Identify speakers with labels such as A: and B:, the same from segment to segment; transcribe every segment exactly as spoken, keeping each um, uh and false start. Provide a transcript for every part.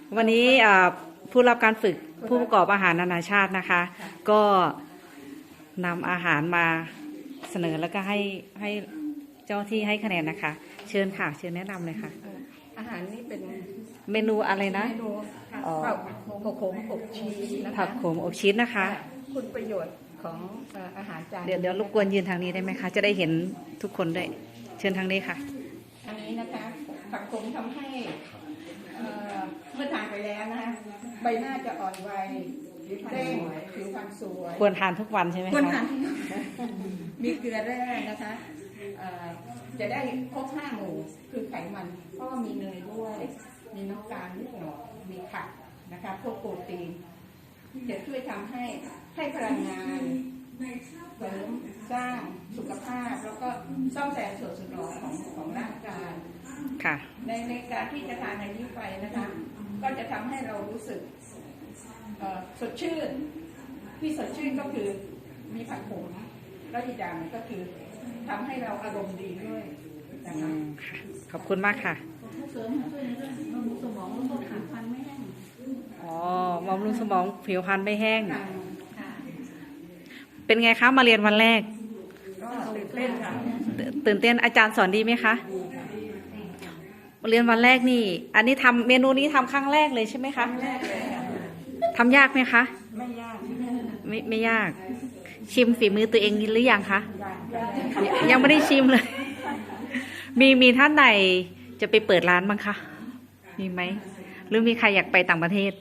A: วันนี้ผู้รับการฝึกผู้ประกอบอาหารนานาชาตินะคะ ก็นำอาหารมาเสนอแล้วก็ให้ให้เจ้าที่ให้คะแนนนะคะ เชิญค่ะเชิญแนะนำเลยค่ะ
B: อาหารนี้เป็น
A: เมนูอะไรนะ
B: เมนูผักโขมอบชีสนะคะ
A: ผักโขมอบชีสนะคะ
B: คุณประโยชน์ของอาหารจาน
A: เดี๋ยวเดี๋ยวรบกวนยืนทางนี้ได้ไหมคะจะได้เห็นทุกคนด้วยเชิญทางนี้ค่ะ
B: อันนี้นะคะผักโขมทำให้เมื่อทานไปแล้วนะคะใบหน้าจะอ่อนวัยเร่งผิวพรรณสวย
A: ควรทานทุกวันใช่ไหมคะ
B: ควรทานมีเกลือแร่นะคะจะได้ครบห้าหมู่คือไขมันเพราะว่ามีเนยด้วยมีน้ำตาลนิดหน่อยมีผักนะคะพวกโปรตีนจะช่วยทำให้ให้พลังงานเสริมสร้างสุขภาพแล้วก็ซ่อมแซมส่วนสมองของของร่างกาย
A: ค่ะ
B: ในในการที่จะทานในนี้ไปนะคะก็จะทำให้เรารู้สึกสดชื่นที่สดชื่นก็คือมีผักโขมแล้วอีกอย่างก็คือทำให้เราอารมณ์ดีด้วยนะคะ
A: ขอบคุณมากค่ะ
B: เสริมช่วยในเรื่องบำรุงสมองแล้วก็ผิวพรรณไม่แห้ง
A: อ๋อบำรุงสมองผิวพรรณไม่แห้งเป็นไงคะมาเรียนวันแรก
B: ก็ตื่นเต้นค่ะ
A: ตื่นเต้นอาจารย์สอนดีไหมคะมาเรียนวันแรกนี่อันนี้ทำเมนูนี้ทำครั้งแรกเลยใช่ไหมคะ
B: ครั้งแรกเลย
A: ทำยากไหมคะ
B: ไม่ยาก
A: ไม่ไม่ยากชิมฝีมือตัวเองหรือยังคะยังไม่ได้ชิมเลยมีมีท่านไหนจะไปเปิดร้านบ้างคะมีไหมหรือมีใครอยากไปต่างประเทศ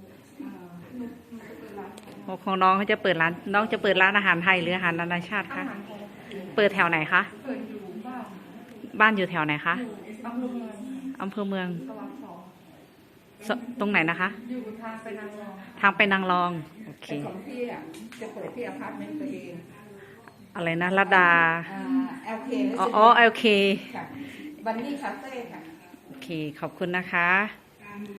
A: ของน้องเขาจะเปิดร้านน้องจะเปิดร้านอาหารไทยหรืออาหารนานาชาติคะเปิดแถวไหนคะบ้านอยู่แถวไหนคะอำเภอเมืองตรงไหนนะคะ
B: อยู่ทางไปนางรอง
A: ทางไปนางรองโอเค
B: ของพี่อ่ะจะเปิดที่อพาร์ตเมนต์ตัวเอง
A: อะไรนะลดา
B: เอลเค
A: อ๋อเอลเค
B: บันนี่คาเฟ่ค่ะ
A: โอเคขอบคุณนะคะ